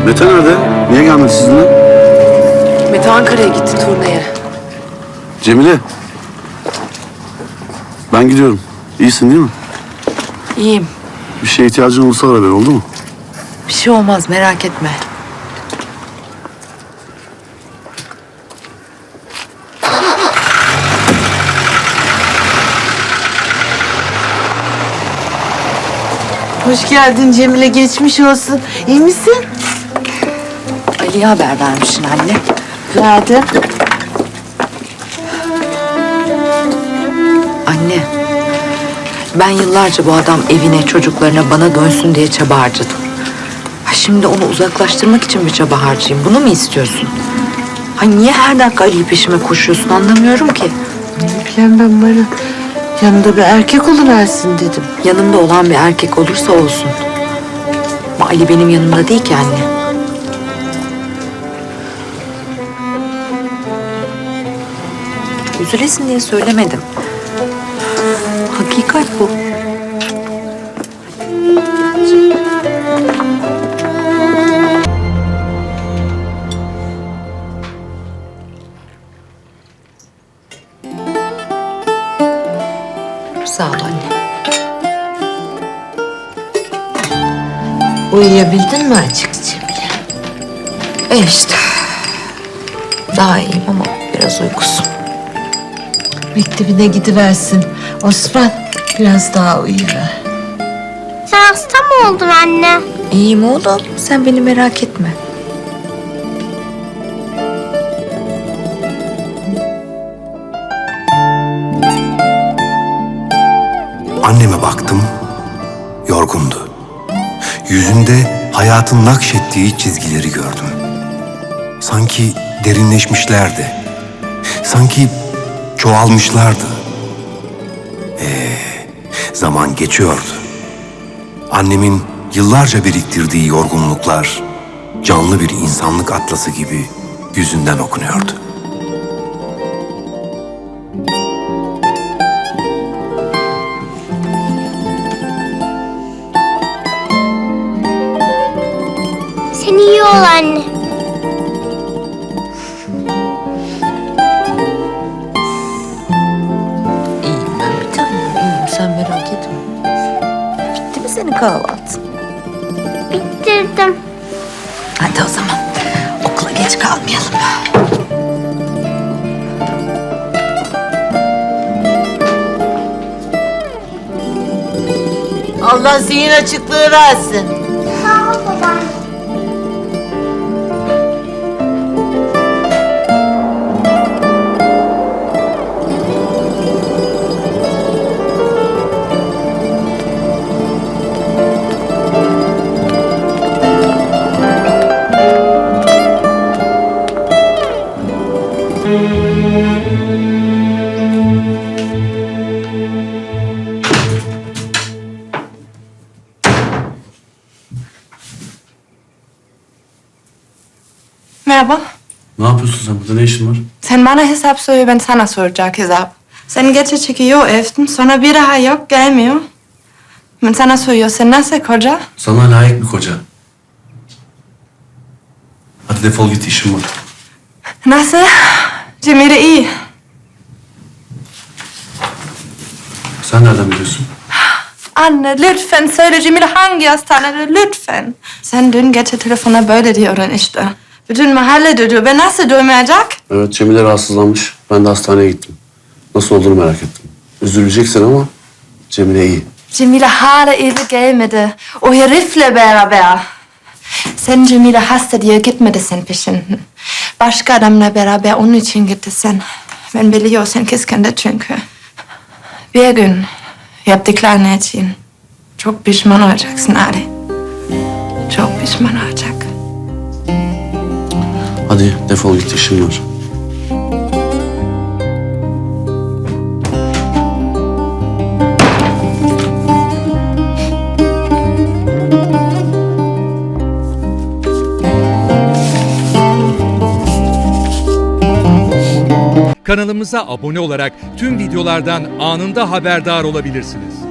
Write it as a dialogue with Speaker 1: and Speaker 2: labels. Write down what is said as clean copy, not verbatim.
Speaker 1: Mete nerede? Niye gelmedi sizinle?
Speaker 2: Mete Ankara'ya gitti turneye.
Speaker 1: Cemile. Ben gidiyorum. İyisin değil mi?
Speaker 2: İyiyim.
Speaker 1: Bir şeye ihtiyacın olursa ara beni, oldu mu?
Speaker 2: Bir şey olmaz, merak etme.
Speaker 3: Hoş geldin Cemile, geçmiş olsun. İyi misin?
Speaker 2: Ali'ye haber vermişsin anne.
Speaker 3: Verdim.
Speaker 2: Anne, ben yıllarca bu adam evine, çocuklarına, bana dönsün diye çaba harcadım. Ha şimdi onu uzaklaştırmak için bir çaba harcayayım. Bunu mu istiyorsun? Ha niye her dakika Ali'yi peşime koşuyorsun anlamıyorum ki.
Speaker 3: Ne bileyim ben bana. Yanında bir erkek oluversin dedim.
Speaker 2: Yanımda olan bir erkek olursa olsun. Ama Ali benim yanımda değil ki anne. Üzülesin diye söylemedim. Hakikat bu. Sağ ol anne.
Speaker 3: Uyuyabildin mi açık Cemile?
Speaker 2: İşte. Daha iyiyim ama biraz uykusum.
Speaker 3: Mektebine gidiversin. Osman, biraz daha uyuver.
Speaker 4: Sen hasta mı oldun anne?
Speaker 2: İyiyim oğlum. Sen beni merak etme.
Speaker 5: Anneme baktım, yorgundu. Yüzünde hayatın nakşettiği çizgileri gördüm. Sanki derinleşmişlerdi. Sanki çoğalmışlardı. Zaman geçiyordu. Annemin yıllarca biriktirdiği yorgunluklar, canlı bir insanlık atlası gibi yüzünden okunuyordu.
Speaker 4: Sen iyi ol anne.
Speaker 2: İyiyim ben bir tanem. İyiyim sen merak etme. Bitti mi senin kahvaltın?
Speaker 4: Bitirdim.
Speaker 2: Hadi o zaman. Okula geç kalmayalım.
Speaker 3: Allah zihin açıklığı versin.
Speaker 4: Sağ ol baba.
Speaker 6: Merhaba.
Speaker 1: Ne yapıyorsun sen burada? Ne işin var?
Speaker 6: Sen bana hesap soruyor, ben sana soracak hesap. Sen geçe çıkıyor evden, sonra bir daha yok, gelmiyor. Ben sana soruyor, sen nasıl koca?
Speaker 1: Sana layık bir koca. Hadi defol git, işim var.
Speaker 6: Nasıl? Cemile iyi.
Speaker 1: Sen nereden biliyorsun?
Speaker 6: Anne lütfen söyle Cemile hangi hastanede lütfen. Sen dün gece telefona böyle diyordun işte. Bütün mahalle duyuyor, ben nasıl duymayacak?
Speaker 1: Evet, Cemile rahatsızlanmış. Ben de hastaneye gittim. Nasıl olduğunu merak ettim. Üzüleceksin ama Cemile iyi.
Speaker 6: Cemile hala eve gelmedi. O herifle beraber. Sen Cemile hasta diye gitmedi sen peşinden. Başka adamla beraber onun için gitti sen. Ben biliyorum sen kıskandı çünkü. Bir gün yaptıklarını için çok pişman olacaksın Ali. Çok pişman olacak.
Speaker 1: Hadi defol git, işim var.
Speaker 7: Kanalımıza abone olarak tüm videolardan anında haberdar olabilirsiniz.